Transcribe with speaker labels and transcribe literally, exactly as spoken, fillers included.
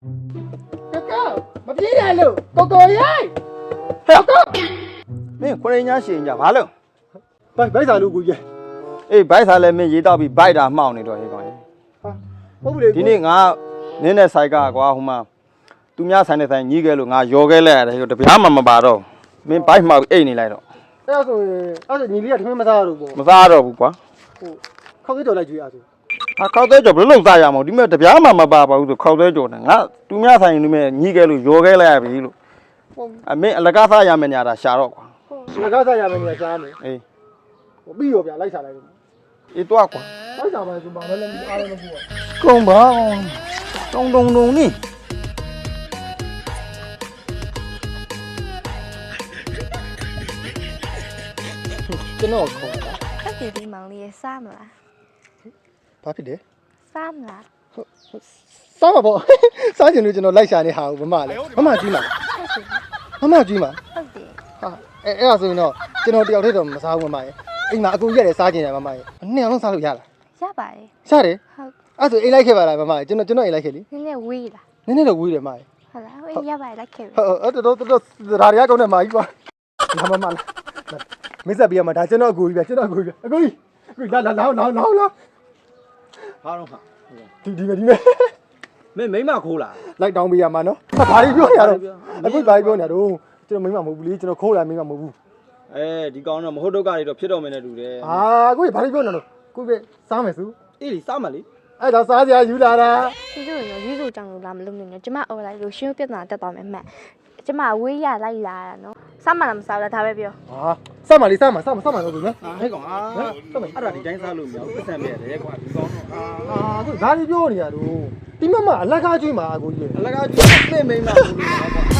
Speaker 1: ကောမပြေးရလို့ကိုကိုရိုက်ဟဲ့ကောမင်းခွရင်ညာရှင်ညာဘာလို့ဘိုက်ဘိုက်စာလို့ကိုကြီးအေးဘိုက်စာလည်းမင်းရေးတော့ပြီးဘိုက်တာမှောင်နေတော့ဟေးကောင်ဟာဟုတ်ပြီလေဒီနေ့ငါနင်းတဲ့ဆိုင်ကကွာဟိုမှာသူများဆိုင်တဲ့ဆိုင်ညီးခဲ့လို့ငါရော်ခဲ့လိုက်ရတယ်တပြားမှမပါတော့မင်းဘိုက်မှောက်အိတ်နေလိုက်တော့အဲ့ဆိုအဲ့ဆိုညီလေးကထမင်းမစားတော့ဘူးပေါ့မစားတော့ဘူးကွာဟိုခောက်သေးကြော်လိုက်ကြွေးအားဆိုဟာခောက်သေးကြော်ဘယ်လိုလုပ်စားရမလဲဒီမဲ့တပြားမှမပါပါဘူးဆိုခောက်သေးကြော်နဲ့ငါသူများဆိုင်ဒီမဲ့ညီးခဲ့လို့ရော်ခဲ့လိုက်ရပြီလို့အမင်းအလကားစားရမယ်ညာတာရှာတော့ကွာအလကားစားရမယ်ညာရှားမယ်အေးဟိုပြီးရောဗျာလိုက်စားလိုက်အေးတော့ကွာလိုက်စားပါဆိုဘာလဲအားလည်းမဟုတ်ဘူးကုံပါတုံတုံတုံနိကျွန်တော်ခေါ်တာ
Speaker 2: အဲ့ဒီဒီမောင်လေးစားမလား
Speaker 1: ဘာဖြစ်လဲ
Speaker 2: စားမလား
Speaker 1: စားမှာပေါ့စားချင်လို့ကျွန်တော်လိုက်ရှာနေဟာဘူးမမလေးမမကြီးမှာမမကြီးမှာ
Speaker 2: ဟုတ်တယ်
Speaker 1: ဟာအဲအဲ့ဒါဆိုရင်တော့ကျွန်တော်တယောက်တည်းတော့မစားဘူးမမရဲ့အိမ်မှာအကူရက်တယ်စားချင်တယ်မမရဲ့နှစ်အောင်လုံးစားလို့ရလား
Speaker 2: ရပါတယ်
Speaker 1: ရတယ်
Speaker 2: ဟုတ်
Speaker 1: အဲ့ဆိုအိမ်လိုက်ခဲ့ပါလားမမရဲ့ကျွန်တော်ကျွန်တော်အိမ်လိုက်ခဲ့လी
Speaker 2: နည်းနည်းဝေးလား
Speaker 1: နည်းနည်းတော့ဝေးတယ်မမရဲ့
Speaker 2: ဟုတ်လားဝေးရပါတယ်လိုက်ခဲ့ပြီ
Speaker 1: ဟုတ်အဲ့တော့တော့ဒါရီယာကောင်းတဲ့မကြီးကွာမမမလားမစ္စပ်ပြရမှာဒါကျွန်တော်အကူကြီးပဲကျွန်တော်အကူကြီးပဲအကူကြီးအကူလာလာလာလာလာလာ
Speaker 3: ဘာတော့ဟာ
Speaker 1: ဒီဒီမဲ့ဒီမဲ့
Speaker 3: မင်းမိမခိုးလား
Speaker 1: လိုက်တောင်းပေးရမှာနော်ဘာတွေပြောနေရတော့အခုဘာတွေပြောနေရတော့ကျွန်တော်မိမမဟုတ်ဘူးလေကျွန်တော်ခိုးလာမိမမဟုတ်ဘူး
Speaker 3: အဲဒီကောင်တော့မဟုတ်တော့ကတွေတော့ဖြစ်တော့မယ်နဲ့တူတယ်
Speaker 1: ဟာကိုကြီးဘာတွေပြောနေလို့ကိုကြီးပဲစားမယ်စု
Speaker 3: အေးလीစားမလေ
Speaker 1: အဲ့တော့စားစရာယူလာတာ
Speaker 2: ရှင်တို့ရောရွေးစုကြောင်လို့လာမလို့နေနဲ့ကျမအော်လိုက်လို့ရှင်ပြဿနာတက်သွားမယ်မှန်ကျမဝေးရလိုက်လာတာနော်စားမလားမစားဘူးလားဒါပဲပြော
Speaker 1: ဟာစားမလေးစားမစားမစားမတော့ဘူးနော်
Speaker 3: ဟာဟဲ့ကောင်အာအဲ့ဒါဒီတိုင်းစားလို့မရဘူးပတ်စံပြရတယ်ကွာဒီကောင်တော့
Speaker 1: အာကိုဒါတွေပြောနေရတော့ဒီမမအလကားကျွေးမှာကိုကြီး
Speaker 3: အလကားကျွေးသိမိမ့်မှာဘူးလို့ကွာ